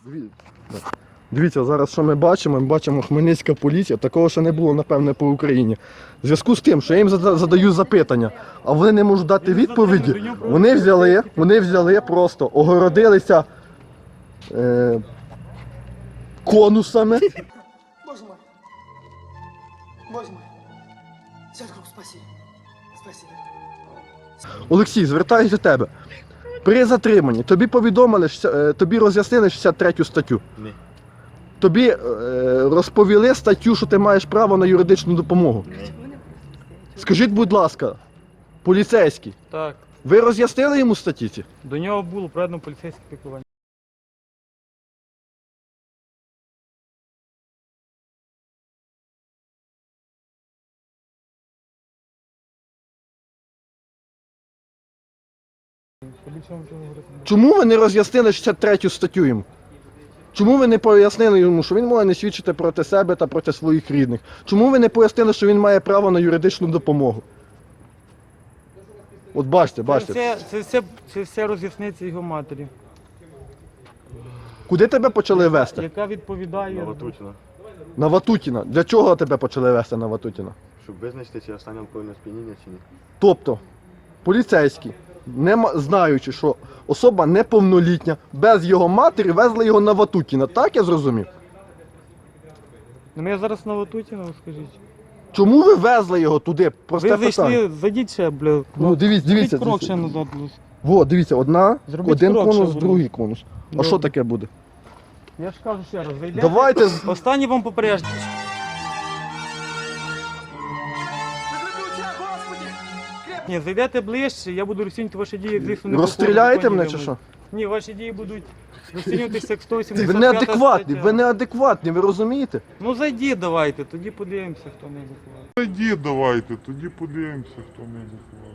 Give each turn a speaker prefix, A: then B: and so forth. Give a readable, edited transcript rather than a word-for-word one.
A: Дивіться, зараз що ми бачимо? Ми бачимо Хмельницька поліція. Такого ще не було, напевне, по Україні. В зв'язку з тим, що я їм задаю запитання, а вони не можуть дати відповіді, вони взяли просто, огородилися конусами.
B: Боже мой. Боже мой. Сядько, спасибо. Спасибо.
A: Олексій, звертаюся до тебе. При затриманні тобі повідомили, тобі роз'яснили 63 статтю?
C: Ні.
A: Тобі розповіли статтю, що ти маєш право на юридичну допомогу?
C: Ні.
A: Скажіть, будь ласка, поліцейський,
D: Так,
A: ви роз'яснили йому статті ці?
D: до нього було проведено поліцейське піклування.
A: Чому ви не роз'яснили 63 статтю йому? Чому ви не пояснили йому, що він може не свідчити проти себе та проти своїх рідних? Чому ви не пояснили, що він має право на юридичну допомогу? От бачите.
D: Це все роз'ясниться його матері,
A: Куди тебе почали вести?
D: яка відповідає.
C: Новотучина.
A: На Ватутіна. Для чого тебе почали вести на Ватутіна?
C: Щоб визначити, чи останнє алкогольне сп'яніння, чи ні.
A: Тобто, поліцейські, знаючи, що особа неповнолітня, без його матері везли його на Ватутіна. Так я зрозумів?
D: Ну, я зараз на Ватутіна, скажіть.
A: Чому ви везли його туди? Просте
D: Ви
A: питання.
D: зайшли, зайдіть ще, бля.
A: Ну, дивіться.
D: Зробіть крок ще назад.
A: Во, дивіться,
D: Зробіть
A: один
D: крок,
A: конус,
D: щоб
A: другий конус. А
D: Добре.
A: що таке буде?
D: Я ж кажу ще раз, зайдете.
A: Давайте.
D: Останній вам попередження. Ні, зайдете ближче, я буду розцінювати ваші дії, як звісно, не
A: Розстріляєте
D: по законі
A: мене чи
D: вимоги.
A: що?
D: Ні, ваші дії будуть розцінюватися як 185
A: Ви неадекватні,
D: стаття.
A: ви неадекватні, ви розумієте?
D: Ну зайдіть давайте, тоді подивимося, хто не адекватний.
E: Тоді давайте, тоді подивимося, хто не заховав.